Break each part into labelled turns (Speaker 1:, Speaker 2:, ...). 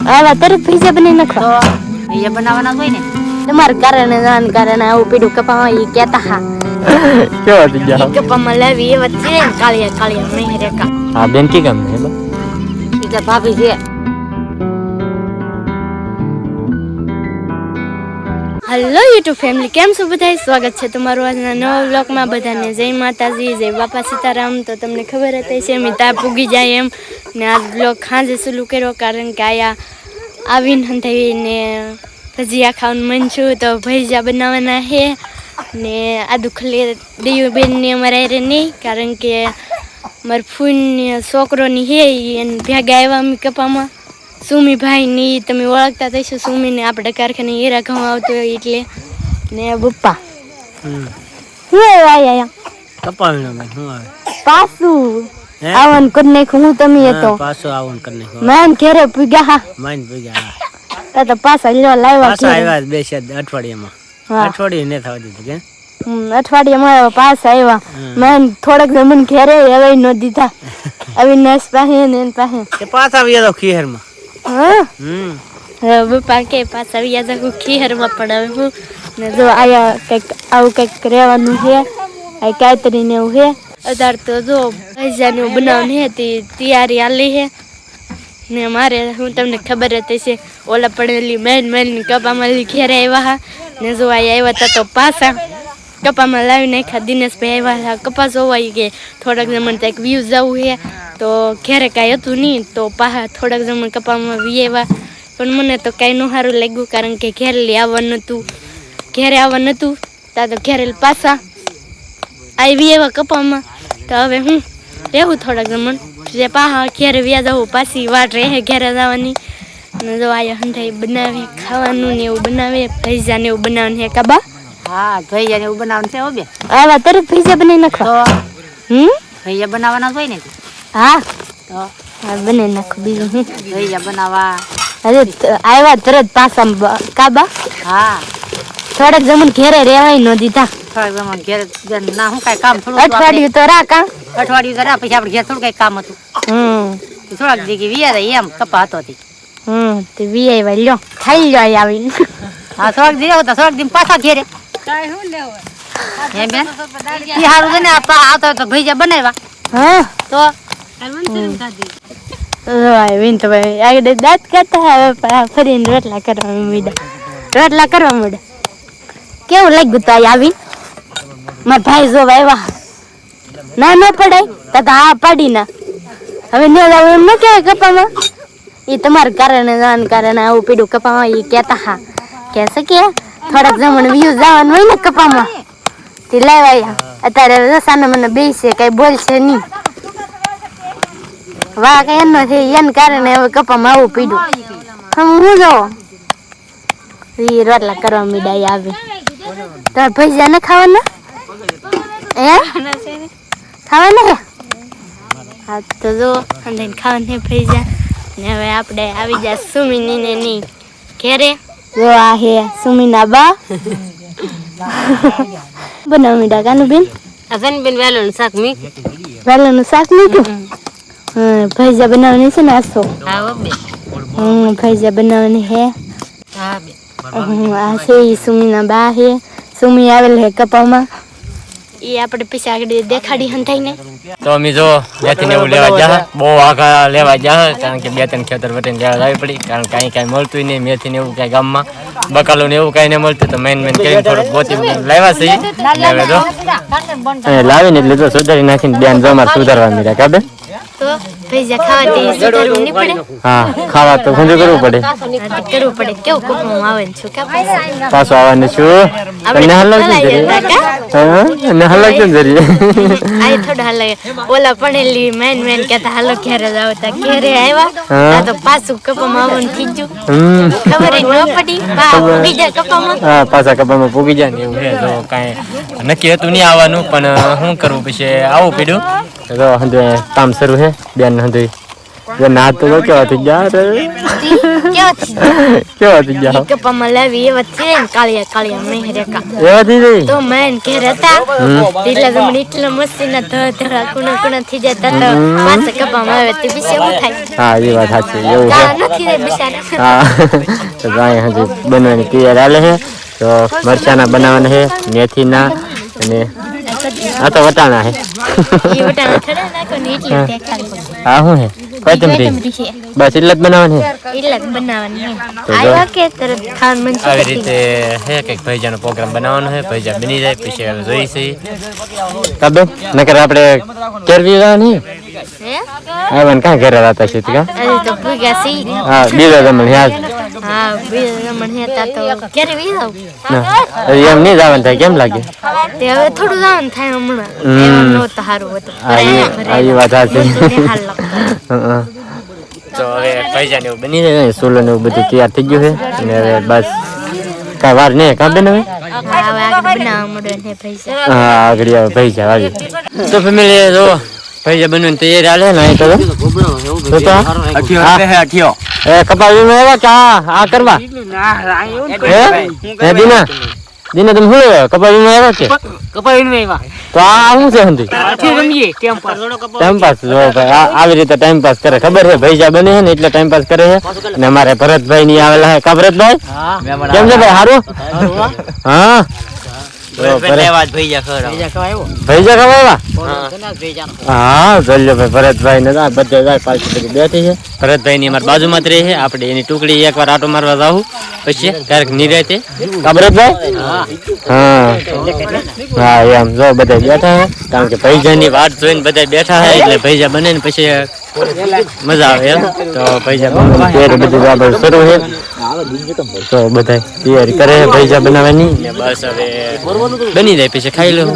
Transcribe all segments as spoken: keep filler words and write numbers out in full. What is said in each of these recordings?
Speaker 1: આવા તરત પૈસા બની નાખો
Speaker 2: તો એ બનાવવાના હોય ને
Speaker 1: તમારા કારણે જાણ કારણે આવું પીડું કપામાં ઈ કહેતા હા
Speaker 3: કેવા થઈ ગયા
Speaker 1: કપામાં લાવી એ વાત છે કાળિયા કાળિયા નહીં રેકા
Speaker 3: હા બેન કી કામ હે બા
Speaker 2: ઈ કે ભાભી છે
Speaker 1: હેલો યુટ્યુબ ફેમિલી કેમ છો બધા સ્વાગત છે તમારું આજના નવા વ્લોગમાં બધાને જય માતાજી જય બાપા સીતારામ તો તમને ખબર હતી છે મેં ત્યાં પૂગી જાય એમ ને આ વ્લોગ ખાંજે ચાલુ કર્યો કારણ કે આયા આવીને હંધાઈને ભજીયા ખાવાનું મન છું તો ભજીયા બનાવવાના છે ને આ દુખલે દેયુબેનને અમારા હારે નહીં કારણ કે મારા ફૂઈની છોકરોની હે એને ભેગા આવ્યા અમે કપામાં સુમીભાઈની તમે ઓળખતા થઈશો સુમીને આપણે કારખાને હીરા ઘઉં આવતો હોય એટલે ને પપ્પા શું આવ્યા
Speaker 3: કપાળનો મેં હું આવે
Speaker 1: પાછું આવન કરી નાખ્યું હું તમે એ તો
Speaker 3: પાછો આવન કરી નાખ્યો
Speaker 1: મેન ઘેરે પૂગ્યા હા
Speaker 3: માઈન પૂગ્યા
Speaker 1: તો તો પાછા લ્યો લાવ્યા
Speaker 3: પાછા આવ્યા બે છે અઠવાડિયામાં અઠવાડિયે ને થવા દીધું કે
Speaker 1: હમ અઠવાડિયામાં પાછા આવ્યા મેન થોડાક જમણ ઘેરે હવે ન દીધા અવિનાશ પાસે ને એન પાસે
Speaker 3: કે પાછા આવ્યા તો ખીહરમાં
Speaker 1: હા
Speaker 3: હમ
Speaker 1: હવે પપ્પા કે પાછા આવ્યા જાગું ખીહરમાં પણ હવે હું ને જો આયા કંઈક આવું કંઈક રહેવાનું છે આ કાતરીને એવું છે અત્યારે તો જો ભજીયાને એવું બનાવવાનું છે તે તૈયારી હાલી છે ને મારે હું તમને ખબર હતી છે ઓલા પડેલી મેન મેન કપામાં ઘેરે આવ્યા હા ને જો અહીંયા આવ્યા હતા તો પાછા કપામાં લાવી નાખ્યા દિનેશભાઈ આવ્યા હતા કપા જોવા કે થોડાક જમણ ત્યાં વ્યૂ જવું છે તો ઘેરે કાંઈ હતું નહીં તો પાછા થોડાક જમણ કપામાં વી આવ્યા પણ મને તો કાંઈ ન સારું લાગ્યું કારણ કે ઘેરે લઈ આવવાનું હતું ઘેરે આવવાનું હતું ત્યાં તો ઘેરે પાછા આવી એવા કપામાં તો હવે હું રહેવું થોડાક જમણ જે પાહા ઘેરે વ્યા જવું પાછી વાટ રહે ઘેરે જવાની ને જો આયા હંધાઈ બનાવે ખાવાનું ને એવું બનાવે ભજીયા ને એવું બનાવવાનું છે કાબા
Speaker 2: હા ભજીયા ને એવું બનાવવાનું છે હો બે
Speaker 1: આવા તરત ભજીયા બનાવી નાખો
Speaker 2: તો
Speaker 1: હમ
Speaker 2: ભજીયા બનાવવાના હોય ને
Speaker 1: હા
Speaker 2: તો
Speaker 1: હા બનાવી નાખો બીજું હું
Speaker 2: ભજીયા બનાવવા
Speaker 1: અરે આવ્યા તરત પાછા કાબા
Speaker 2: હા
Speaker 1: થોડાક જમણ ઘેરે રહેવાય ન દીધા
Speaker 2: થોડાક જમણ ઘેર ના હું કાંઈ કામ થોડું
Speaker 1: અઠવાડિયું તો રાખા
Speaker 2: અઠવાડિયું કર્યા પછી આપણે ઘેર થોડું કઈ કામ હતું
Speaker 1: હમ
Speaker 2: થોડાક જગ્યાએ વિયા એમ કપા હતો હતી
Speaker 1: હમ તે વી આવ્યા લ્યો ખાઈ લ્યો આવીને
Speaker 2: હા થોડાક દી આવતા થોડાક દી પાછા ઘેરે એમ બેન ઈ હારું છે ને આવતા તો ભજીયા બનાવ્યા
Speaker 1: હા
Speaker 2: તો
Speaker 1: આવીને તો ભાઈ આગળ દાંત કાઢતા હવે ફરીને રોટલા કરવા માંડ્યા રોટલા કરવા માંડ્યા કેવું લાગ્યું તો આવીને મારા ભાઈ જોવા આવ્યા ના ન પડાય તો હા પાડી ના હવે ન જાવ એમ ન કહેવાય કપામાં એ તમારા કારણે જવાના કારણે આવું પીડું કપામાં એ કહેતા હા કહેશે કે થોડાક જમણ વ્યૂ જવાનું હોય ને કપામાં તે લાવ્યા અત્યારે રસાને મને બેસે કઈ બોલશે નહીં વાહ કઈ એનો છે એને કારણે હવે કપામાં આવું પીડું હમ હું જો એ રોટલા કરવા મીડાઈ આવે તો ભજીયા ને ખાવાના હે ખાવાના હે હા તો જો અંદર ખાવાને ભજીયા ને હવે આપણે આવી જાય સુમીની ને ની ઘેરે જો આ હે સુમીના બા બનાવ મીડા કાનું બેન
Speaker 2: અસન બેન વેલોનું શાક મી
Speaker 1: વેલાનું શાક મૂક્યું હા ભજીયા બનાવવાની છે ને આસો
Speaker 2: હા બે
Speaker 1: હમ ભજીયા બનાવવાની હે
Speaker 2: હા બે
Speaker 1: આ છે ઈ સુમીના બા હે સુમી આવેલ હે કપામાં એ આપણે પૈસા આગળ દેખાડી હંધાઈને
Speaker 3: તો અમે જો મેથી ને એવું લેવા જા બહુ આગા લેવા જા કારણ કે બે ત્રણ ખેતર વટીને લેવા લાવી પડી કારણ કે અહીં કાંઈ મળતું નહીં મેથી ને એવું કાંઈ ગામમાં બકાલું ને એવું કાંઈ નહીં મળતું તો મેન મેન કરીને થોડુંક ગોતી લાવ્યા છે હવે તો લાવીને એટલે તો સુધારી નાખીને બેન જો મારે સુધારવા મળ્યા કાબે
Speaker 1: તો ભજીયા ખાવાથી સુધારવું નહીં પડે
Speaker 3: હા ખાવા તો ખુંજું કરવું પડે
Speaker 1: કરવું પડે કેવું કપમાં આવે ને શું કાપા
Speaker 3: પાછું આવવાનું છું તને હાલ લાગતું હા ને હાલ લાગતું જરી
Speaker 1: આ થોડા હાલ ઓલા પડેલી મેન મેન કહેતા હાલો ઘેરે જ આવતા ઘેરે આવ્યા તો પાછું કપમાં આવવાનું થઈ ગયું ખબર ન પડી પૂગી જાય કપામાં
Speaker 3: હા પાછા કપામાં પૂગી જાય ને એવું છે તો કાંઈ નક્કી હતું નહીં આવવાનું પણ શું કરવું પછી આવું પીડ્યું તો હંધુ કામ શરૂ છે બેન હંધુ જે ના તો કેવા થઈ ગયા રે
Speaker 1: કેવા થી
Speaker 3: કેવા થઈ ગયા
Speaker 1: કપામાં લાવી એવા છે ને કાળિયા કાળિયા મેહરેકા
Speaker 3: એવા થઈ ગઈ
Speaker 1: તો મેન ઘેર હતા એટલે તમને એટલા મસ્તીના ધ ધરા કુણા કુણા થઈ જતા તો પાછા કપામાં આવે તે બીસે હું થાય
Speaker 3: હા એ વાત સાચી એવું છે
Speaker 1: કા નથી રે બિચારા
Speaker 3: હા તો ગાય હજી બનવાની તૈયાર હાલે છે તો મરચાના બનાવવાના છે મેથીના અને આ તો વટાણા છે
Speaker 1: ઈ વટાણા થડે નાખો ને એટલે તે ખાલી
Speaker 3: હા શું છે કોથમરી બસ એટલે જ બનાવવાની છે
Speaker 1: એટલે જ બનાવવાની
Speaker 3: તો
Speaker 1: આવ્યા કે તરત ખાન મન
Speaker 3: આવી રીતે હે કંઈક ભૈજાનો પ્રોગ્રામ બનાવવાનો છે ભૈજા બની જાય પછી હવે જોઈ છે કાબે નકર આપણે કેરવી નહીં
Speaker 1: હે
Speaker 3: આવન કા ઘરે રાતા છે કા
Speaker 1: અરે તો ભૂગ્યા સી
Speaker 3: હા બીજો જમણ યાદ
Speaker 1: હા બીજા મણ હેતા તો ક્યારે વી જાવ
Speaker 3: ના એમ નહીં જવાનું થાય કેમ લાગે
Speaker 1: તે હવે થોડું જવાનું થાય હમણાં
Speaker 3: હમ.
Speaker 1: એમ નહોતું સારું હતું
Speaker 3: આ ઈ- આ ઈ વાત સાચી.
Speaker 1: નહોતું ને હાલ લાગતું.
Speaker 3: હં. તો હવે પૈસા ને એવું બની જાય સોલો ને એવું બધું તૈયાર થઈ ગયું છે અને હવે બસ કાંઈ વાર નહીં કાં બેન હવે
Speaker 1: હા, હવે આગળ બનાવવા માંડો ને પૈસા
Speaker 3: હા આગળ આવે પૈસા આવી તો ફેમિલી જો પૈસા બનવાની તૈયારી હાલે ને અહીં તો જો. તો તો હા. એ કપાવીમાં આવ્યા કે આ આ કરવા હે હે દીના દીના તમે શું લેવા કપાવીમાં આવ્યા કે તો આ શું છે હંધી ટાઈમ પાસ જો ભાઈ આ આવી રીતે ટાઈમ પાસ કરે ખબર છે ભૈજા બને છે ને એટલે ટાઈમ પાસ કરે છે અને અમારે ભરતભાઈ ની આવેલા છે કા ભરતભાઈ કેમ છે ભાઈ સારું હા તો ભરત- ભૈજા ખવાયા હા જોઈ ભાઈ ભરતભાઈ ને બધે જાય પાછી બધી બેઠી છે ભરતભાઈ ની અમારી બાજુમાં જ રહે છે આપણે એની ટુકડી એકવાર આટો મારવા જાવું પછી ક્યારેક નિરાતે કા ભરતભાઈ હા હા એમ જો બધા બેઠા છે કારણ કે ભૈજાની વાટ જોઈને બધા બેઠા છે એટલે ભૈજા બને ને પછી મજા આવે એમ તો ભૈજા બનાવવાની તૈયારી બધી બરાબર શરૂ છે તો બધા તૈયારી કરે છે ભૈજા બનાવવાની ને બસ હવે બની જાય પછી ખાઈ લો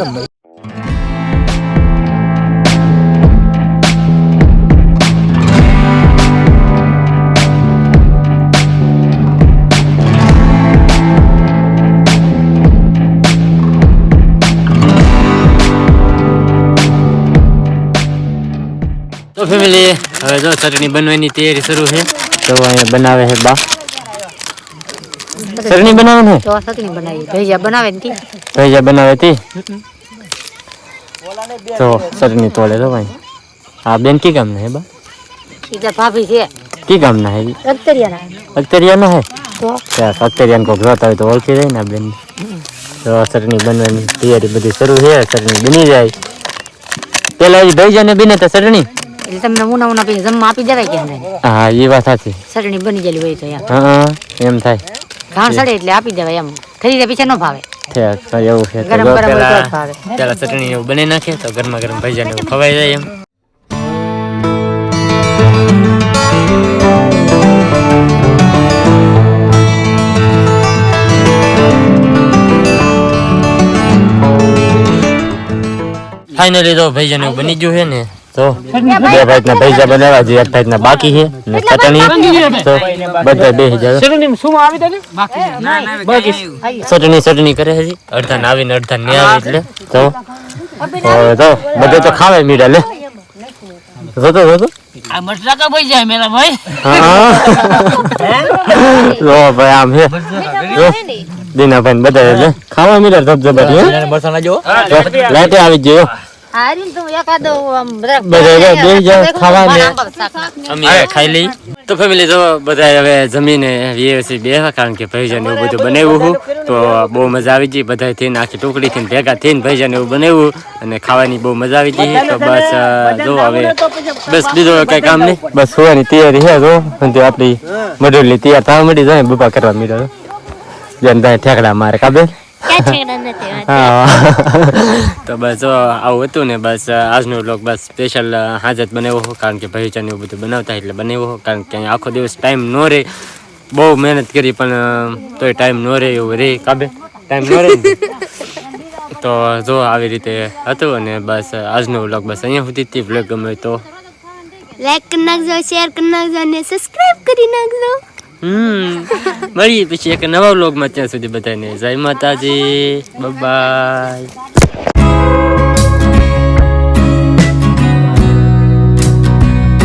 Speaker 3: તો ફેમિલી હવે જો ચટણી બનવાની તૈયારી શરૂ છે તો અહીંયા બનાવે છે બા ચટણી બનાવે ને
Speaker 2: તો સતની બનાવી ભૈયા બનાવે ને તી
Speaker 3: ભૈજા બનાવે તી તો ચટણી તોડે તો ભાઈ હા બેન કી કામ ના હે બા
Speaker 2: ઈ તો ભાભી છે
Speaker 3: કી કામ ના હે
Speaker 2: અખતરિયાના
Speaker 3: અખતરિયા ના હે
Speaker 2: તો
Speaker 3: ત્યાં અખતરિયા કોક જોતા હોય તો ઓળખી જાય ને આ બેન તો ચટણી બનવાની તૈયારી બધી શરૂ છે ચટણી બની જાય પેલા એ ભૈજાને બને તો ચટણી
Speaker 2: એટલે તમને ઉના ઉના પછી જમવા આપી દેવાય કે નહીં
Speaker 3: હા એ વાત સાચી
Speaker 2: ચટણી બની ગયેલી હોય તો એમ
Speaker 3: હા એમ થાય
Speaker 2: ઘાણ સડે એટલે આપી દેવાય એમ ખરીદે પીછે ન ભાવે
Speaker 3: ઠીક તો એવું છે તો
Speaker 2: ગરમ
Speaker 3: જો
Speaker 2: ગરમ હોય તો જ
Speaker 3: પેલા
Speaker 2: ભાવે
Speaker 3: પેલા ચટણી એવું બની નાખે તો ગરમા ગરમ ભજીયા ને એવું ખવાઈ જાય એમ ફાઇનલી તો ભજીયા ને એવું બની ગયું છે ને તો બે ભાઈના ભજીયા બનાવ્યા છે એક ભાઈના બાકી છે ને ચટણી તો બધા બેસી જાય ચટણી ચટણી કરે છે અડધા ને આવીને અડધા ને આવે એટલે તો હવે તો બધે તો ખાવે મીડા લે જોતો જોતો
Speaker 2: આ મસલા કા ભઈ જાય મેરા ભાઈ
Speaker 3: હા જો ભાઈ આમ છે જો દીના ભાઈ બધા લે ખાવા મીડા ધબધબા હે મરસાના જો લાઈટે આવી ગયો
Speaker 2: આરીન તું એકાદો આમ
Speaker 3: બધા બેસી જાવ ખાવા ને અમે ખાઈ લઈ તો ફેમિલી જો બધા હવે જમીને વ્યવસ્થિત બેહવા કારણ કે ભૈજા ને એવું બધું બનાવ્યું હતું તો બહુ મજા આવી ગઈ બધા થઈને આખી ટુકડી થઈને ભેગા થઈને ભૈજા ને એવું બનાવ્યું અને ખાવાની બહુ મજા આવી ગઈ તો બસ જો હવે બસ બીજો કઈ કામ નહીં બસ સુવાની તૈયારી છે જો અને આપણી મડુલી તૈયાર થવા મળી જાય બપા કરવા મીડો જેમ ત્યાં ઠેકડા મારે કાબે હા તો બસ જો આવું હતું ને બસ આજનો વ્લોગ બસ સ્પેશિયલ હાજત બનાવ્યો કારણ કે ભૈજાને એવું બધું બનાવતા એટલે બનાવ્યો કારણ કે આખો દિવસ ટાઈમ ન રહે બહુ મહેનત કરી પણ તોય ટાઈમ ન રહે એવું રે કાબે ટાઈમ ન રહે તો જો આવી રીતે હતું અને બસ આજનો વ્લોગ બસ અહીંયા સુધી જ વ્લોગ ગમે તો
Speaker 1: લાઈક કરી નાખજો શેર કરી નાખજો અને સબસ્ક્રાઇબ કરી નાખજો
Speaker 3: હમ મળીએ પછી એક નવા વ્લોગમાં ત્યાં સુધી બધાને જય માતાજી બાય બાય